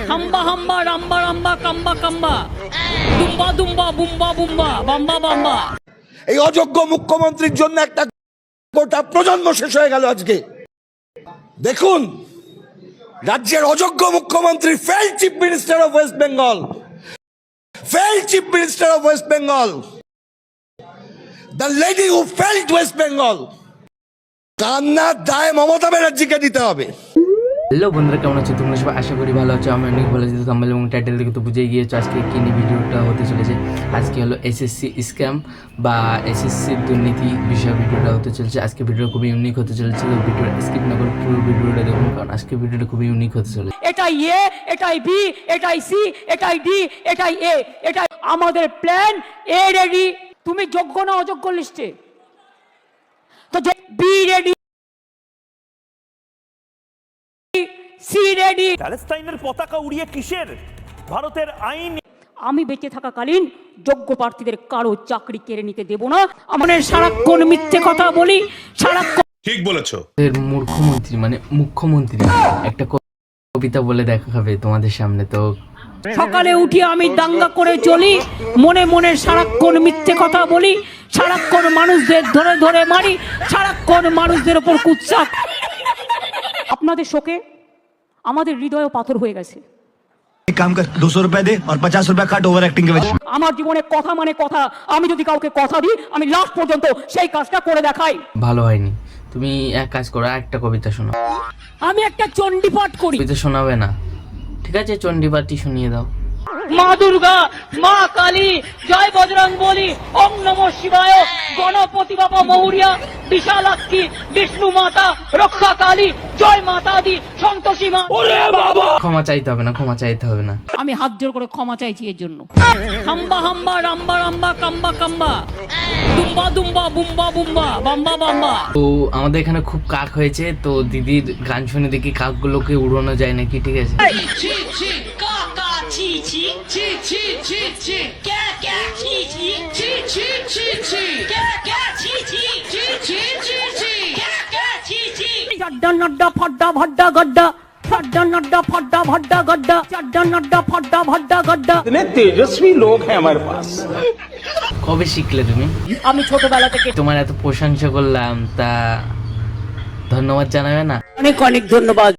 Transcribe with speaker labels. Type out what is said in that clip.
Speaker 1: হাম্বা হাম্বা রাম্বা রাম্বা কাম্বা কাম্বা দুম্বা দুম্বা বুম্বা বুম্বা বাম্বা বাম্বা।
Speaker 2: এই অযোগ্য মুখ্যমন্ত্রীর জন্য একটা গোটা প্রজন্ম শেষ হয়ে গেল আজকে। দেখুন, রাজ্যের অযোগ্য মুখ্যমন্ত্রী, fail chief minister of West Bengal, fail chief minister of West Bengal, the lady who felt West Bengal, কান্নার দায় মমতা ব্যানার্জিকে দিতে হবে।
Speaker 3: হ্যালো বন্ধুরা, কেমন আছো তোমরা সবাই? আশা করি ভালো আছো। আমি অনেক ভালো আছি। থাম্বনেল এবং টাইটেল দেখে তো বুঝেই গিয়েছো আজকে কী নিয়ে ভিডিওটা হতে চলেছে। আজকে হলো এসএসসি স্ক্যাম বা এসএসসির দুর্নীতি বিষয়ে ভিডিওটা হতে চলেছে। আজকে ভিডিওটা খুবই ইউনিক হতে চলেছে, তো ভিডিওটা স্কিপ না করে পুরো ভিডিওটা দেখুন, কারণ আজকে ভিডিওটা খুবই ইউনিক হতে চলেছে।
Speaker 1: এটাই এ, এটাই বি, এটাই সি, এটাই ডি, এটাই এ, এটাই আমাদের প্ল্যান। এ রেডি, তুমি যোগ্য না অযোগ্য লিস্টে? তো বি রেডি, সি রেডি।
Speaker 4: প্যালেস্টাইনের পতাকা উড়িয়ে কিসের ভারতের আইন?
Speaker 1: আমি বেঁচে থাকাকালীন যোগ্য প্রার্থীদের কারো চাকরি কেড়ে নিতে দেব না। আমাদের সারাক্ষণ মিথ্যে কথা বলি, সারাক্ষণ।
Speaker 5: ঠিক বলেছো।
Speaker 3: মুখ্যমন্ত্রী মানে মুখ্যমন্ত্রী একটা কবিতা বলে দেখাবে তোমাদের সামনে। তো
Speaker 1: সকালে উঠি আমি দাঙ্গা করে চলি, মনে মনে সারাক্ষণ মিথ্যে কথা বলি, সারাক্ষণ মানুষদের ধরে ধরে মারি, সারাক্ষণ মানুষদের ওপর কুৎসা। আপনাদের শোকে আমাদের হৃদয় পাথর হয়ে গেছে।
Speaker 6: एक काम कर 200 रुपए दे और 50 रुपए काट ओवर एक्टिंग के वजह।
Speaker 1: আমার জীবনে কথা মানে কথা। আমি যদি কাউকে কথা দিই, আমি লাস্ট পর্যন্ত সেই কাজটা করে দেখাই।
Speaker 3: ভালো হয়নি, তুমি এক কাজ করো, একটা কবিতা শোনো।
Speaker 1: আমি একটা চণ্ডীপাঠ করি।
Speaker 3: কবিতা শোনাবে না, ঠিক আছে? চণ্ডীপাঠই শুনিয়ে দাও।
Speaker 1: মা দুর্গা, মা কালী, জয় বজরং বলি, ওম নমঃ শিবায়, গণপতি বাবা মৌরিয়া, বিশালাক্ষী, বিষ্ণু মাতা, রক্ষা কালী, জয় মাতা দি, সন্তোষী মা।
Speaker 3: ক্ষমা চাইতে হবে না, ক্ষমা চাইতে হবে না।
Speaker 1: আমি হাত জোর করে ক্ষমা চাইছি এর জন্য। হাম্বা হাম্বা রাম্বা রাম্বা কাম্বা কাম্বা দুম্বা দুম্বা বুম্বা বুম্বা বাম্বা বাম্বা।
Speaker 3: তো আমাদের এখানে খুব কাক হয়েছে, তো দিদির গান শুনে দেখি কাকগুলোকে উড়ানো যায় নাকি, ঠিক আছে?
Speaker 1: চাড্ডা নাড্ডা ফাড্ডা ভাড্ডা গড্ডা, চাড্ডা নাড্ডা ফাড্ডা ভাড্ডা গড্ডা, চাড্ডা নাড্ডা ফাড্ডা ভাড্ডা গড্ডা।
Speaker 4: इतने तेजस्वी लोग हैं हमारे पास।
Speaker 3: কবে শিখলে তুমি?
Speaker 1: আমি ছোটবেলা থেকে।
Speaker 3: তোমার এত প্রশংসা করলাম, তা ধন্যবাদ জানাবে না?
Speaker 1: অনেক অনেক ধন্যবাদ।